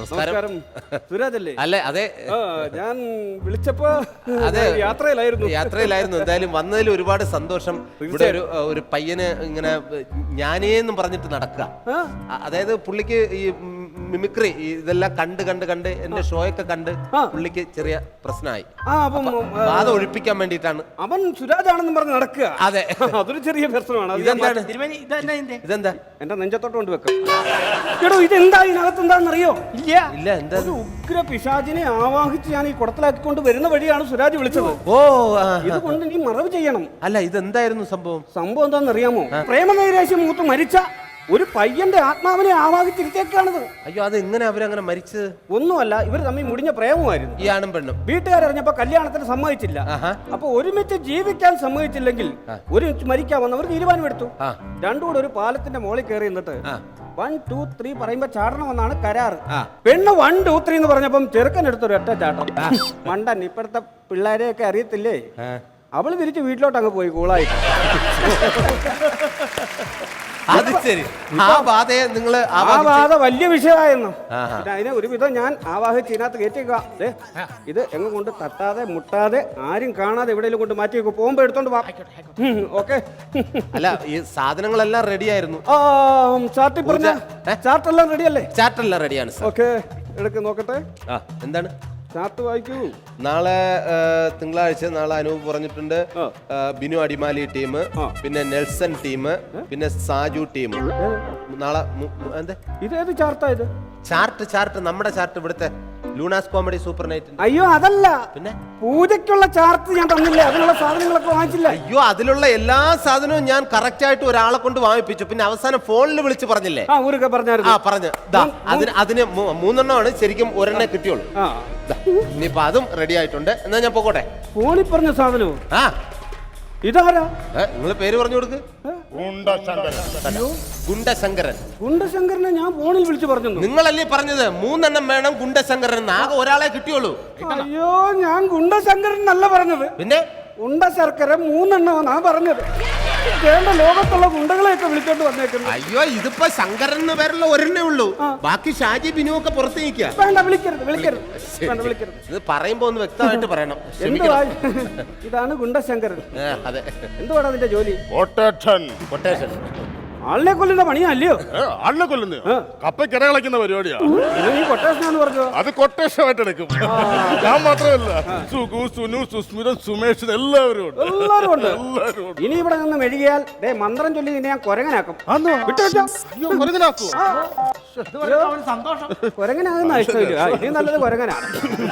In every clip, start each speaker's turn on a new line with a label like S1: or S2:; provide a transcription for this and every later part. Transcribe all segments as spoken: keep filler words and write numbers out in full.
S1: നമസ്കാരം. സുരാജ് അല്ലേ?
S2: അല്ലേ? അതെ,
S1: ഞാൻ വിളിച്ചപ്പോ അതെ യാത്രയിലായിരുന്നു
S2: യാത്രയിലായിരുന്നു എന്തായാലും വന്നതിൽ ഒരുപാട് സന്തോഷം. ഇവിടെ ഒരു ഒരു പയ്യന് ഇങ്ങനെ ഞാനേന്നും പറഞ്ഞിട്ട് നടക്കുക. അതായത് പുള്ളിക്ക് ഈ മിമിക്രി ഇതെല്ലാം കണ്ട് കണ്ട് കണ്ട് എന്റെ ഷോയൊക്കെ കണ്ട് പുള്ളിക്ക് ചെറിയ പ്രശ്നമായി. ബാധ ഒഴിപ്പിക്കാൻ വേണ്ടിയിട്ടാണ്
S1: അവൻ സുരാജാണെന്ന് പറഞ്ഞ് നടക്കുക.
S2: അതെ,
S1: അതൊരു ചെറിയ പ്രശ്നമാണ്.
S2: ഇതെന്താണ്? ഇതെന്താ?
S1: എന്റെ നെഞ്ചത്തോട്ട് കൊണ്ട് വെക്കാം. എടോ, ഇതെന്താ ഇതിനകത്ത് എന്താണെന്നറിയോ? ഇല്ല
S2: ഇല്ല. എന്താ?
S1: ഒരു ഉഗ്ര പിശാചിനെ ആവാഹിച്ച് ഞാൻ ഈ കുടത്തിലാക്കിക്കൊണ്ട് വരുന്ന വഴിയാണ് സുരാജ് വിളിച്ചത്.
S2: ഓ,
S1: ഇതുകൊണ്ട് നീ മറവ് ചെയ്യണം.
S2: അല്ല, ഇതെന്തായിരുന്നു സംഭവം?
S1: സംഭവം എന്താണെന്നറിയാമോ? പ്രേമനൈരാശ്യം മൂത്ത് മരിച്ച ഒരു പയ്യന്റെ ആത്മാവിനെ ആവാഹിച്ചിരുത്തേക്കാണിത്.
S2: അയ്യോ, അത് എങ്ങനെ അവരങ്ങനെ മരിച്ചത്?
S1: ഒന്നുമല്ല, ഇവർ തമ്മിൽ മുടിഞ്ഞ പ്രേമമായിരുന്നു.
S2: ഈ ആണും പെണ്ണും.
S1: വീട്ടുകാരറിഞ്ഞപ്പോ കല്യാണത്തിന് സമ്മതിച്ചില്ല. അപ്പൊ ഒരുമിച്ച് ജീവിക്കാൻ സമ്മതിച്ചില്ലെങ്കിൽ ഒരുമിച്ച് മരിക്കാമെന്ന് അവർ തീരുമാനമെടുത്തു. രണ്ടും കൂടെ ഒരു പാലത്തിന്റെ മുകളിൽ കയറി നിന്നിട്ട് വൺ ടു ത്രീ പറയുമ്പോ ചാടണമെന്നാണ് കരാറ്. പെണ്ണ് വൺ ടു ത്രീ എന്ന് പറഞ്ഞപ്പം ചെറുക്കൻ എടുത്തൊരു ഒറ്റ ചാട്ടം. മണ്ടൻ, ഇപ്പോഴത്തെ പിള്ളേരെയൊക്കെ അറിയത്തില്ലേ? അവള് തിരിച്ച് വീട്ടിലോട്ട് അങ്ങ് പോയി കൂളായി.
S2: അത് ശരി. ആ ബാധയെ നിങ്ങൾ
S1: ആ ബാധ വലിയ വിഷയമായിരുന്നു. അതിനെ ഒരുവിധം ഞാൻ ആവാഹിച്ച് ഇതിനകത്ത് കയറ്റിക്കുക. ഇത് എങ്ങ് കൊണ്ട് തട്ടാതെ മുട്ടാതെ ആരും കാണാതെ എവിടെയെങ്കിലും കൊണ്ട് മാറ്റി വെക്കും. പോകുമ്പോ എടുത്തോണ്ട് വാ. ഓക്കെ.
S2: അല്ല, ഈ സാധനങ്ങളെല്ലാം റെഡി ആയിരുന്നു.
S1: ചാർട്ടിൽ പറഞ്ഞ ചാർട്ടെല്ലാം റെഡി അല്ലേ?
S2: ചാർട്ടെല്ലാം റെഡിയാണ്.
S1: ഓക്കെ, എടുക്ക് നോക്കട്ടെ.
S2: എന്താണ്
S1: ചാർട്ട് വായിക്കൂ.
S2: നാളെ തിങ്കളാഴ്ച നാളെ അനൂപ് പറഞ്ഞിട്ടുണ്ട്. ബിനു അടിമാലി ടീം, പിന്നെ നെൽസൺ ടീം, പിന്നെ സാജു ടീം. നാളെ എന്താ
S1: ഇതേത് ചാർട്ടാ ഇത്?
S2: ചാർട്ട് ചാർട്ട് നമ്മുടെ ചാർട്ട്, ഇവിടുത്തെ ലൂണാസ് കോമഡി സൂപ്പർ നൈറ്റ്.
S1: അയ്യോ, അതല്ല.
S2: പിന്നെ
S1: പൂജയ്ക്കുള്ള ചാർട്ട് ഞാൻ തന്നില്ലേ? അതിനുള്ള സാധനങ്ങളൊക്കെ വാങ്ങിച്ചില്ല.
S2: അയ്യോ, അതിലുള്ള എല്ലാ സാധനവും ഞാൻ കറക്റ്റ് ആയിട്ട് ഒരാളെ കൊണ്ട് വാങ്ങിപ്പിച്ചു. പിന്നെ അവസാനം ഫോണിൽ വിളിച്ച് പറഞ്ഞില്ലേ?
S1: ആ, ഊരൊക്കെ പറഞ്ഞായിരുന്നു.
S2: ആ, പറഞ്ഞു. അതിന് അതിന് മൂന്നെണ്ണമാണ് ശരിക്കും ഒരെണ്ണേ കിട്ടിയുള്ളൂ. ഇനിയിപ്പോ അതും റെഡി ആയിട്ടുണ്ട്. എന്നാ ഞാൻ പോകട്ടെ.
S1: ഫോണിൽ പറഞ്ഞ സാധനവും
S2: ആ
S1: ഇതാരാ?
S2: നിങ്ങൾ പേര് പറഞ്ഞു കൊടുക്ക്. ഗുണ്ടശങ്കരൻ.
S1: ഗുണ്ടശങ്കരനെ ഞാൻ ഫോണിൽ വിളിച്ചു പറഞ്ഞു.
S2: നിങ്ങളല്ലേ പറഞ്ഞത് മൂന്നെണ്ണം വേണം ഗുണ്ടശങ്കരൻ? ആകെ ഒരാളെ കിട്ടിയുള്ളൂ.
S1: അയ്യോ, ഞാൻ ഗുണ്ടശങ്കരൻ എന്നല്ല പറഞ്ഞത്.
S2: പിന്നെ
S1: ഉണ്ട ശർക്കര മൂന്നെണ്ണമാ പറഞ്ഞത്. വേണ്ട ലോകത്തുള്ള ഗുണ്ടകളെയൊക്കെ വിളിച്ചോണ്ട് വന്നേക്കുന്നു.
S2: അയ്യോ, ഇതിപ്പോ ശങ്കരൻ എന്ന് പേരുള്ള ഒരെണ്ണേ ഉള്ളൂ. ബാക്കി ഷാജി ബിനു ഒക്കെ പുറത്ത് നിൽക്കുക.
S1: വേണ്ട, വിളിക്കരുത് വിളിക്കരുത് വിളിക്കരുത്.
S2: ഇത് പറയുമ്പോ ഒന്ന് വ്യക്തമായിട്ട് പറയണം.
S1: ഇതാണ് ഗുണ്ടശങ്കരൻ.
S2: അതെ.
S1: എന്തുവാണ് അതിന്റെ ജോലി?
S3: കൊട്ടേഷൻ.
S2: കൊട്ടേഷൻ.
S1: ആളിനെ കൊല്ലുന്ന പണിയല്ലയോ?
S3: ആളിനെ കൊല്ലുന്ന കപ്പയ്ക്ക് ഇര കളിക്കുന്ന പരിപാടിയാ.
S1: കൊട്ടേഷൻ പറഞ്ഞു.
S3: അത് കൊട്ടേഷനായിട്ട് എടുക്കും. ഞാൻ മാത്രമല്ല, സുഗു, സുനു, സുസ്മിത, സുമേഷ് എല്ലാവരും ഉണ്ട്.
S1: എല്ലാവരും ഉണ്ട്. ഇനി ഇവിടെ നിന്ന് മെഴുകിയാൽ മന്ത്രം ചൊല്ലി നിന്നെ ഞാൻ കൊരങ്ങനാക്കും. കൊരങ്ങനാകുന്ന ഇഷ്ടമില്ല. ഇനി നല്ലത് കൊരങ്ങനാണ്.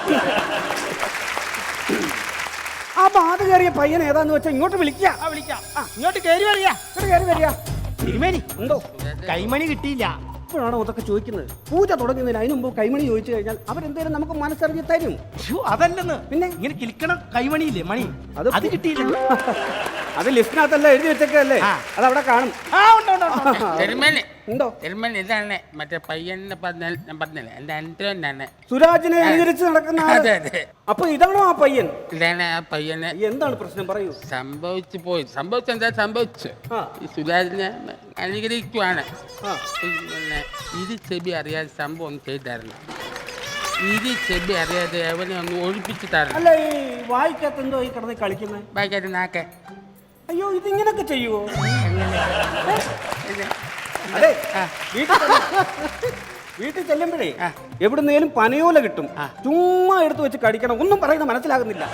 S1: ആ ബാധ കയറിയ പയ്യൻ ഏതാന്ന് വെച്ചാൽ ഇങ്ങോട്ട് വിളിക്കാം.
S4: ഇങ്ങോട്ട് കയറി വരിക.
S1: കയറി വരിക.
S4: തിരുമേനി, എന്തോ കൈമണി കിട്ടിയില്ല.
S1: ഇപ്പോഴാണോ അതൊക്കെ ചോദിക്കുന്നത്? പൂജ തുടങ്ങുന്നതിന് അതിന് മുമ്പ് കൈമണി ചോദിച്ചു കഴിഞ്ഞാൽ അവരെന്തേലും നമുക്ക് മനസ്സറിഞ്ഞ് തരും.
S4: അതല്ലെന്ന്, പിന്നെ ഇങ്ങനെ കിളിക്കണം കൈമണിയില്ലേ, മണി, അത് അത് കിട്ടിയില്ല.
S1: അത് ലിസ്റ്റിനകത്തല്ല എഴുതി വെച്ചേക്കല്ലേ, അതവിടെ കാണും.
S4: ഉണ്ടോ? ഇതാണ് മറ്റേ പയ്യനെ പറഞ്ഞല്ലേ, എന്റെ അൻറ്റോനാണ്
S1: സുരാജിനെ അനുകരിച്ച് നടക്കുന്ന. അപ്പൊ ഇതാണോ ആ പയ്യൻ?
S4: ഇതാണ് ആ പയ്യനെ.
S1: എന്താണ് പ്രശ്നം പറയൂ.
S4: സംഭവിച്ചു പോയി. സംഭവിച്ചു എന്താ സംഭവിച്ചു? ഈ സുരാജിനെ അനുകരിക്കുവാണ്. പിന്നെ ഇത് ചെബി അറിയാതെ സംഭവം ഒന്ന് ചെയ്തായിരുന്നു. ഇത് ചെബി അറിയാതെ അവനെ ഒന്ന് ഒഴിപ്പിച്ചു തരണം.
S1: അല്ല, ഈ വായിക്കാത്ത എന്തോ ഈ കിടന്ന് കളിക്കുന്നത്?
S4: വായിക്കാത്ത നാക്കെ.
S1: അയ്യോ, ഇതിങ്ങനൊക്കെ ചെയ്യുവോ? അതെ, വീട്ടിൽ ചെല്ലുമ്പോഴേ എവിടുന്നേലും പനയോല കിട്ടും. ചുമ്മാ എടുത്തു വെച്ച് കടിക്കണം. ഒന്നും പറയുന്നത് മനസ്സിലാകുന്നില്ല.